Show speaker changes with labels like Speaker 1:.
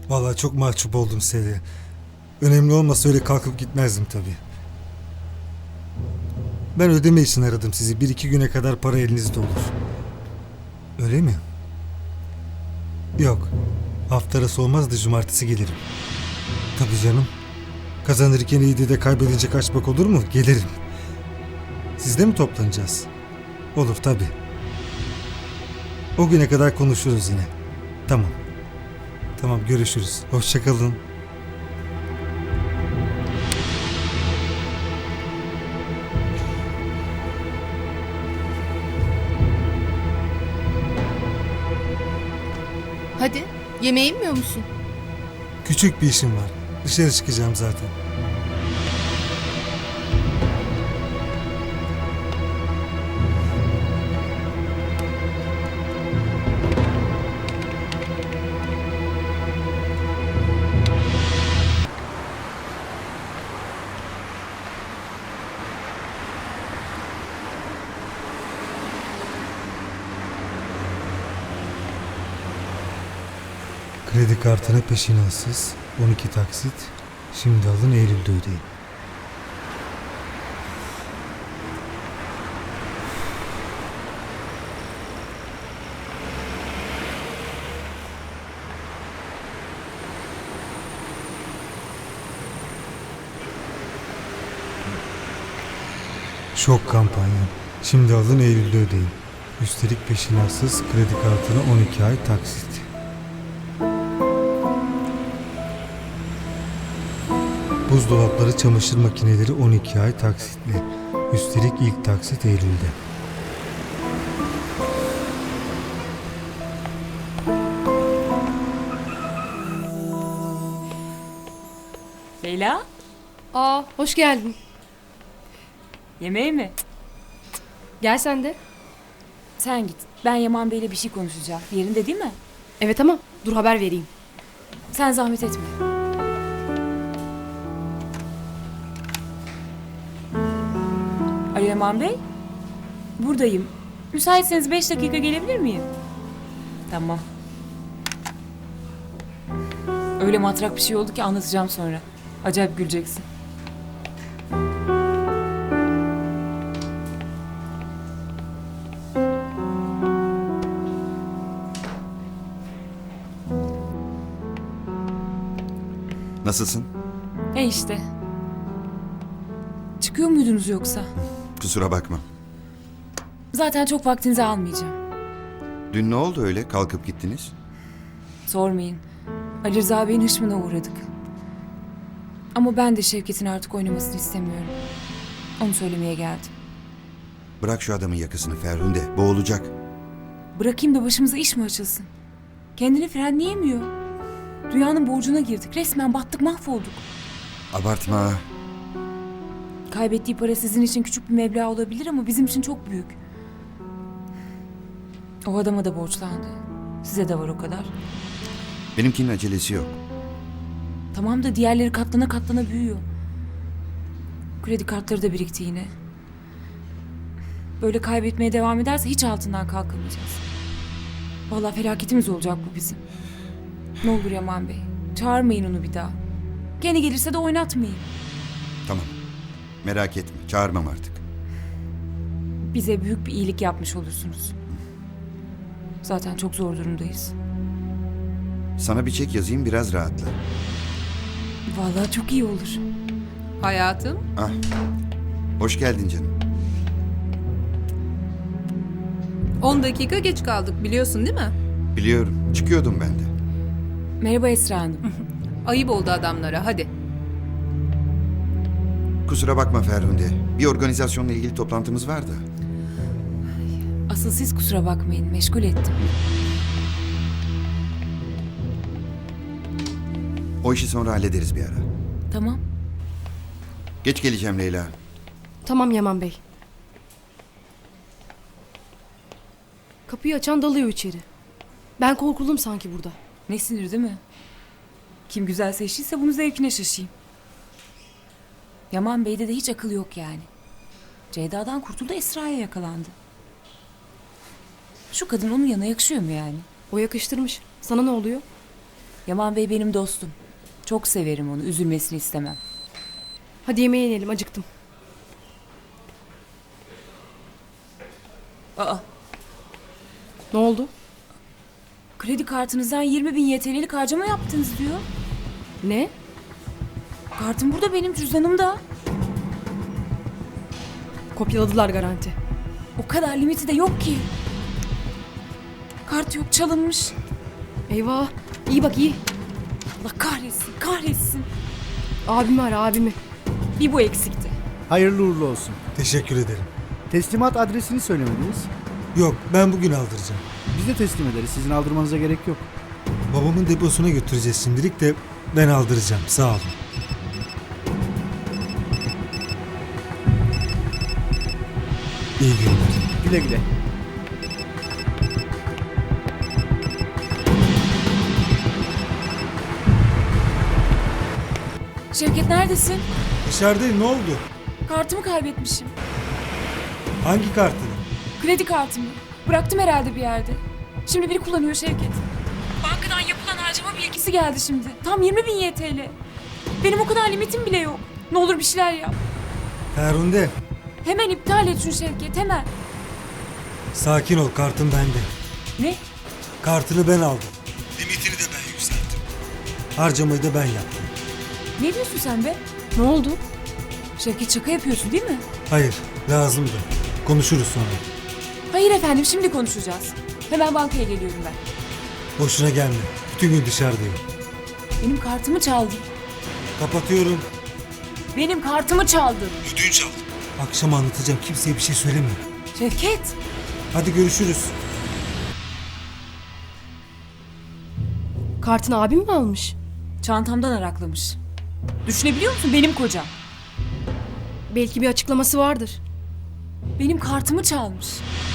Speaker 1: Vallahi çok mahcup oldum Seviye. Önemli olmasa öyle kalkıp gitmezdim tabii. Ben ödeme için aradım sizi. Bir iki güne kadar para elinizde olur. Öyle mi? Yok. Hafta arası olmaz da cumartesi gelirim. Tabii canım. Kazanırken iyiydi de kaybedince kaçmak olur mu? Gelirim. Sizde mi toplanacağız? Olur tabii. O güne kadar konuşuruz yine. Tamam. Tamam, görüşürüz. Hoşça kalın.
Speaker 2: Hadi, yemeğe inmiyor musun?
Speaker 1: Küçük bir işim var. Dışarı çıkacağım zaten. Kredi kartına peşinatsız 12 taksit. Şimdi alın, Eylül'de ödeyin. Şok kampanya. Şimdi alın, Eylül'de ödeyin. Üstelik peşinatsız, kredi kartına 12 ay taksit. Buzdolapları, çamaşır makineleri 12 ay taksitli. Üstelik ilk taksit Eylül'de.
Speaker 3: Leyla,
Speaker 2: Aa, hoş geldin.
Speaker 3: yemeğe mi?
Speaker 2: Gel sen de.
Speaker 3: Sen git. Ben Yaman Bey'le bir şey konuşacağım. Yerinde değil mi?
Speaker 2: Evet ama dur haber vereyim.
Speaker 3: Sen zahmet etme. Alo Yaman Bey. Buradayım. Müsaitseniz 5 dakika gelebilir miyim? Tamam. Öyle matrak bir şey oldu ki anlatacağım sonra. Acayip güleceksin.
Speaker 4: Nasılsın?
Speaker 3: İşte. Çıkıyor muydunuz yoksa?
Speaker 4: Kusura bakma.
Speaker 3: Zaten çok vaktinizi almayacağım.
Speaker 4: Dün ne oldu öyle kalkıp gittiniz?
Speaker 3: Sormayın. Ali Rıza Bey'in hışmına uğradık. Ama ben de Şevket'in artık oynamasını istemiyorum. Onu söylemeye geldim.
Speaker 4: Bırak şu adamın yakasını Ferhunde, boğulacak.
Speaker 3: Bırakayım da başımıza iş mi açılsın? Kendini frenleyemiyor. Dünyanın borcuna girdik. Resmen battık, mahvolduk.
Speaker 4: Abartma.
Speaker 3: Kaybettiği para sizin için küçük bir meblağ olabilir ama bizim için çok büyük. O adama da borçlandı. Size de var o kadar.
Speaker 4: Benimkinin acelesi yok.
Speaker 3: Tamam da diğerleri katlana katlana büyüyor. Kredi kartları da birikti yine. Böyle kaybetmeye devam ederse hiç altından kalkamayacağız. Vallahi felaketimiz olacak bu bizim. Ne olur Yaman Bey, çağırmayın onu bir daha. Gene gelirse de oynatmayın.
Speaker 4: Tamam. Merak etme, çağırmam artık.
Speaker 3: Bize büyük bir iyilik yapmış olursunuz. Zaten çok zor durumdayız.
Speaker 4: Sana bir çek yazayım, biraz rahatla.
Speaker 3: Vallahi çok iyi olur.
Speaker 5: Hayatım,
Speaker 4: Ah, hoş geldin canım.
Speaker 5: 10 dakika geç kaldık biliyorsun değil mi?
Speaker 4: Biliyorum, çıkıyordum ben de.
Speaker 3: Merhaba Esra Hanım.
Speaker 5: Ayıp oldu adamlara, hadi.
Speaker 4: Kusura bakma Ferhunde, bir organizasyonla ilgili toplantımız var da.
Speaker 3: Asıl siz kusura bakmayın, meşgul ettim.
Speaker 4: O işi sonra hallederiz bir ara.
Speaker 3: Tamam.
Speaker 4: Geç geleceğim Leyla.
Speaker 2: Tamam Yaman Bey. Kapıyı açan dalıyor içeri. Ben korkuldum sanki burada.
Speaker 3: Ne sinir değil mi? Kim güzel seçtiyse bunu zevkine şaşayım. Yaman Bey'de de hiç akıl yok yani. Ceyda'dan kurtuldu, Esra'ya yakalandı. Şu kadın onun yanına yakışıyor mu yani?
Speaker 2: O yakıştırmış. Sana ne oluyor?
Speaker 3: Yaman Bey benim dostum. Çok severim onu. Üzülmesini istemem.
Speaker 2: Hadi yemeğe inelim, acıktım.
Speaker 3: Aa,
Speaker 2: Ne oldu?
Speaker 3: kredi kartınızdan 20.000 YTL'lik harcama yaptınız diyor.
Speaker 2: Ne?
Speaker 3: Kartım burada, benim cüzdanımda.
Speaker 2: Kopyaladılar garanti.
Speaker 3: O kadar limiti de yok ki. Kart yok, çalınmış.
Speaker 2: Eyvah. İyi bak, iyi.
Speaker 3: Allah kahretsin, kahretsin.
Speaker 2: Abimi ara, abimi.
Speaker 3: Bir bu eksikti.
Speaker 6: Hayırlı uğurlu olsun.
Speaker 1: Teşekkür ederim.
Speaker 6: Teslimat adresini söylemediniz.
Speaker 1: Yok, ben bugün aldıracağım.
Speaker 6: Biz de teslim ederiz. Sizin aldırmanıza gerek yok.
Speaker 1: Babamın deposuna götüreceğiz şimdilik de ben aldıracağım. Sağ olun. İyi günler.
Speaker 6: Güle güle.
Speaker 3: Şevket neredesin?
Speaker 1: Dışarıdayım, ne oldu?
Speaker 3: Kartımı kaybetmişim.
Speaker 1: Hangi kartını?
Speaker 3: Kredi kartımı. Bıraktım herhalde bir yerde. Şimdi biri kullanıyor Şevket. Bankadan yapılan harcama bilgisi geldi şimdi. Tam 20.000 YTL. Benim o kadar limitim bile yok. Ne olur bir şeyler yap.
Speaker 1: Ferhunde,
Speaker 3: Hemen iptal et şunu Şevket, hemen.
Speaker 1: sakin ol, kartın bende.
Speaker 3: Ne?
Speaker 1: Kartını ben aldım. Limitini de ben yükselttim. Harcamayı da ben yaptım.
Speaker 3: Ne diyorsun sen be?
Speaker 2: Ne oldu?
Speaker 3: Şevket, şaka yapıyorsun değil mi?
Speaker 1: Hayır, lazımdı. Konuşuruz sonra.
Speaker 3: Hayır efendim, şimdi konuşacağız. Hemen bankaya geliyorum ben.
Speaker 1: Boşuna gelme. Bütün gün dışarıdayım.
Speaker 3: Benim kartımı çaldın.
Speaker 1: Kapatıyorum.
Speaker 3: Benim kartımı çaldın.
Speaker 1: Ödünç aldım. Akşam anlatacağım. Kimseye bir şey söyleme.
Speaker 3: Şevket.
Speaker 1: Hadi görüşürüz.
Speaker 2: Kartını abim mi almış?
Speaker 3: Çantamdan araklamış. Düşünebiliyor musun, benim kocam?
Speaker 2: Belki bir açıklaması vardır.
Speaker 3: Benim kartımı çalmış.